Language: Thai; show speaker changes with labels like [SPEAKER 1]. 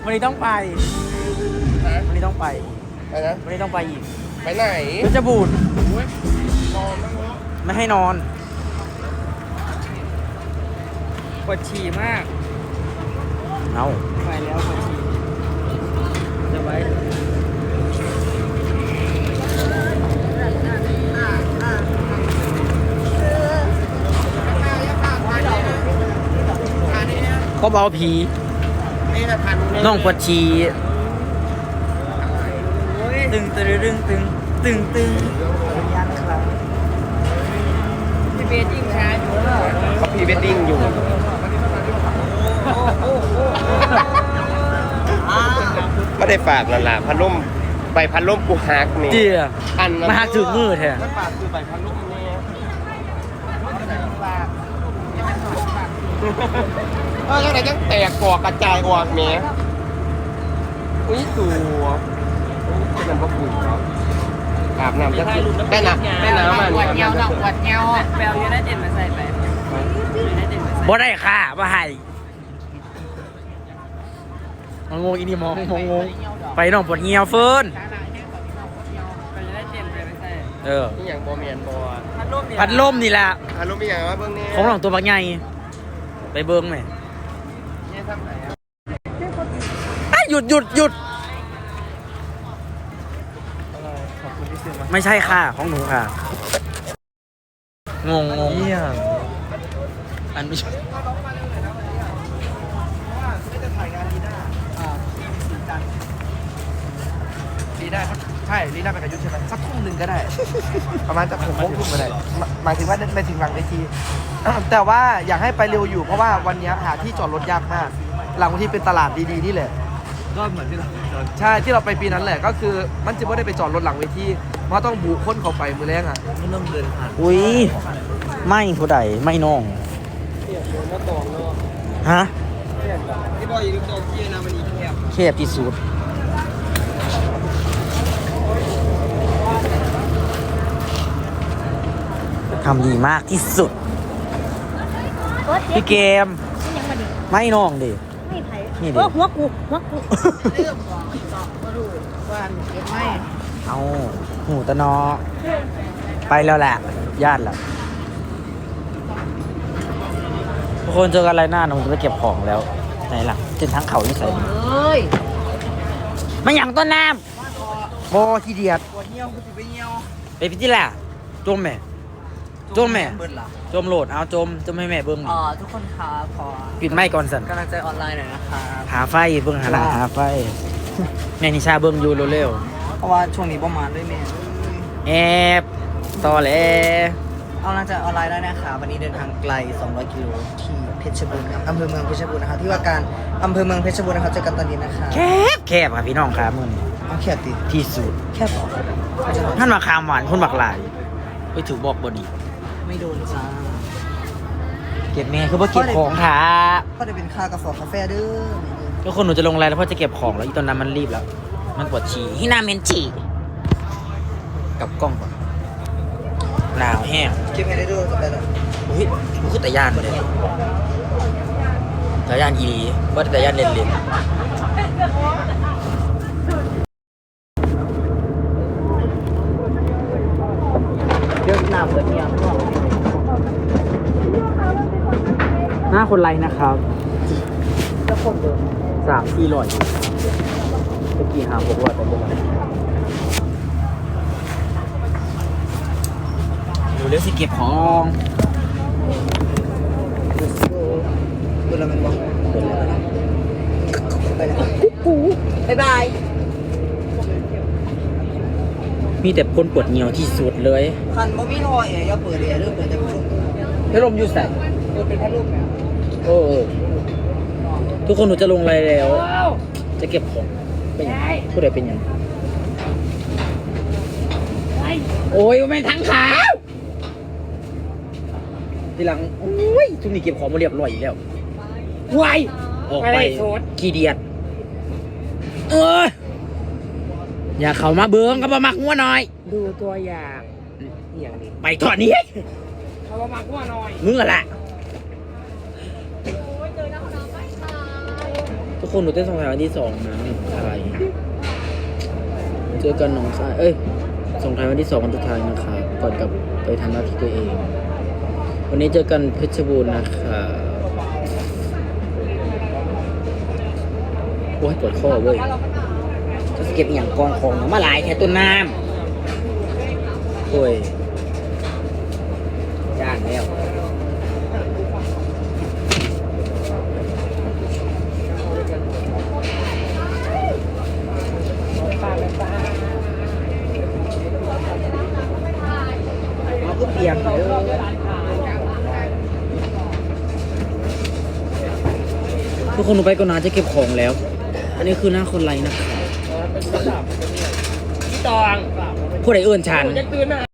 [SPEAKER 1] วันนี้ต้องไปวันนี้ต้องไป
[SPEAKER 2] ไปนะ
[SPEAKER 1] วันนี้ต้องไปอีก
[SPEAKER 2] ไปไหน
[SPEAKER 1] เพชรบูรณ์
[SPEAKER 2] นอนนั่งรถ
[SPEAKER 1] ไม่ให้นอน
[SPEAKER 3] ปวดฉี่มาก
[SPEAKER 1] เอา
[SPEAKER 3] ไปแล้วปวดฉี่จะไว้
[SPEAKER 1] ก็เบาผี
[SPEAKER 2] นี่นะพัน
[SPEAKER 1] น้องปวดฉี่ตึงตึงตึงตึงตึงตึงยันครับ
[SPEAKER 3] พี่เบสยิ่งช้าอยู่
[SPEAKER 2] เขาพรีเวดดิ้งอยู่ก็ได้ฝากแล้วล่ะพัดลมใบพัดลมกูฮักนี่
[SPEAKER 1] เจีย
[SPEAKER 2] อัน
[SPEAKER 1] มาหักถึงมือแท้
[SPEAKER 2] มันฝากคือใบพัดลมนี่จังไหนจังแตกกอกระจายออกแหมอุ้ยตัวเป็นน้ำพระคุณเนาะอาบน้ำจะได้น้ำมา
[SPEAKER 3] ปวดเงา
[SPEAKER 2] เนี่ย
[SPEAKER 3] ปวดเงาแปลวยูไนเต็ดมาใส่ไปยูไนเต็ดมาใส่
[SPEAKER 1] บ่ได้ค่ะบ่ให้งงอีนี่มองงงไปน้องปวดเงียวเฟิร์น
[SPEAKER 3] ไปยูไนเต็ดไปใส่
[SPEAKER 2] นี่อย่างบอเมียนบอ
[SPEAKER 1] พัดลมนี่แหละ
[SPEAKER 2] พัดลมมีอย่างว่าเบื้องนี้
[SPEAKER 1] ของหลองตัวบางใหญ่ไปเบิ้งไหม
[SPEAKER 2] เนี่ยทำไหนอ่ะ
[SPEAKER 1] หยุดหยุดหยุด
[SPEAKER 2] ขอบคุณที่ซื้อมา
[SPEAKER 1] ไม่ใช่ค่ะของหนูค่ะ งงอันไม่ใช่
[SPEAKER 2] ลีได้ใช่ลีได้ไปกับยุทธใช่ไหมสักทุ่มหนึ่งก็ได้ ประมาณจะ6 โมงทุ่มก็ได้หมายถึงว่าไม่ถึงหลังเวที แต่ว่าอยากให้ไปเร็วอยู่เพราะว่าวันนี้หาที่จอดรถยากมาก หลังที่เป็นตลาดดีๆนี่แหละ
[SPEAKER 4] ก็เหมือนที่เรา
[SPEAKER 2] ใช่ที่เราไปปีนั้นแหละก็คือมันจะไม่ได้ไปจอดรถหลังเวทีเพราะต้องบุค้นเข้าไปมือแรงอ่ะ
[SPEAKER 4] ไม่ต้องเดินผ่าน
[SPEAKER 1] อุ้ยไม่ผู้ใดไม่น้องฮะ
[SPEAKER 3] ที่บอกอยู่ตรงที่นามันอีแคบ
[SPEAKER 1] แคบที่สุดทำดีมากที่สุดพี่เกม
[SPEAKER 5] ยังมาดิ
[SPEAKER 1] ไม่น้องดิ
[SPEAKER 5] ไม่ไผ่
[SPEAKER 1] นี่ดิ
[SPEAKER 5] หัวกู
[SPEAKER 3] เรื่องบอกมาดูว่าเก็บไม่
[SPEAKER 1] เอาหูตะนอ ไปแล้วแหละญาติแล้วทุกคนเจอกันอะไรหน้าหนูจะไปเก็บของแล้วไหนล่ะเจนทั้งเขาที่ใส่
[SPEAKER 3] เอ้ย
[SPEAKER 1] ไม่หยังต้นน้ำโบขี้เดียด
[SPEAKER 3] ปวดเงี้ยวกูจะไปเงี้ยว
[SPEAKER 1] ไปพิจิล่ะจมแม่จมแม่
[SPEAKER 3] เบิร์ดเหรอ
[SPEAKER 1] จมโหลดเอาจมให้แม่เบิ้ง
[SPEAKER 3] ทุกคนครับขอ
[SPEAKER 1] ปิดไม้ก่อนสัน
[SPEAKER 3] กำลังใจออนไลน์หน่อยนะครับ
[SPEAKER 1] หาไฟเบิ้งหาไฟแม่นิชาเบิ้งอยู่เร็ว
[SPEAKER 3] เพราะว่าช่วงนี้ประมาณด้วยแม่
[SPEAKER 1] ๆแอบต่อแหล้
[SPEAKER 3] เอากำลังใจออนไลน์ได้นะคะวันนี้เดินทางไกล 200 กิโลที่เพชรบูรณ์ครับอำเภอเมืองเพชรบูรณ์นะครับที่ว่าการอำเภอเมืองเพชรบูรณ์นะครับเจอกันตอนนี้นะคะ
[SPEAKER 1] แคบค่ะพี่น้องครับมึง
[SPEAKER 3] เอาแคบติ
[SPEAKER 1] ที่สุด
[SPEAKER 3] แค่บอก
[SPEAKER 1] ท่านมาคามหวานคนบักหลายไปถือบอกบดี
[SPEAKER 3] ไม่โดนจ้า
[SPEAKER 1] เก็บแม่คือว่าเก็บของค่ะ
[SPEAKER 3] ก็ได้เป็นค่ากาแฟกาแฟเด้อ
[SPEAKER 1] ทุกคนหนูจะลงไลน์แล้วพ่อจะเก็บของแล้วอีตอนนั้นมันรีบแล้ว มันปวดฉี่ฮินาเมนฉี่กลับกล้องก่อนหนาวแห้ง
[SPEAKER 3] เก็บให้ได้ด้วยจะไปแล้ว
[SPEAKER 1] อุ้ยมันคือแต่ย่านเลยแต่ย่านอีว่าแต่ย่านเล่นๆ
[SPEAKER 3] เดี๋ยวหน้าเปิดเงี้ย
[SPEAKER 1] หน้าคนไรนะครับ
[SPEAKER 3] จะคนเดิม
[SPEAKER 1] 3-400อยู่เมื่อกี้5-600ไปเลยดูเร็วสิเก็บของ
[SPEAKER 3] เวลามันบอกไปแล้วบ๊ายบาย
[SPEAKER 1] มีแต่คนปวดเหนียวที่สุดเลย
[SPEAKER 3] คันบ่มีรอยอย่าเปิดเลยเริ่มเปิดแต่ผู้ชม
[SPEAKER 1] พัดลมอยู่ใส่
[SPEAKER 3] เปิดเป็นพัดลมเนี่ย
[SPEAKER 1] โอ้ทุกคนหนูจะลงอะไรแล้ว จะเก็บของเป็นยังผู้ใดเป็นยังโอ้ยไม่ทั้งขาทีหลังโอ้ยทุกนี้เก็บของมาเรียบร้อยอีกแล้ววายออกไปขี้เดียดอย่าเข้ามาเบิ้งก็มามักหัวหน่อย
[SPEAKER 3] ดูตัวอย่างอย่างนี้
[SPEAKER 1] ไปถอดนี้
[SPEAKER 3] เขาว่ามาว่าน้อย
[SPEAKER 1] มึงอะล่ะกคนหนูเต้นสงท้ายวันที่2นะอะไรเจอกันหนองทรายส่งท้ายวันที่2วันสุดท้ายนะครับก่อนกลับไปทำหน้าที่ตัวเอง วันนี้เจอกันเพชรบูรณ์นะครับโอ้ยปวดข้อเว้ยจะเก็บอย่างกองของมาหลายแค่ต้นน้ำโอ้ยย่านแล้วเอาก็เปียกเลยทุกคนหนูไปก่อนนะจะเก็บของแล้ว อันนี้คือหน้าคนไรนะครับพี่ตองผู้ใดเอื้อนฉัน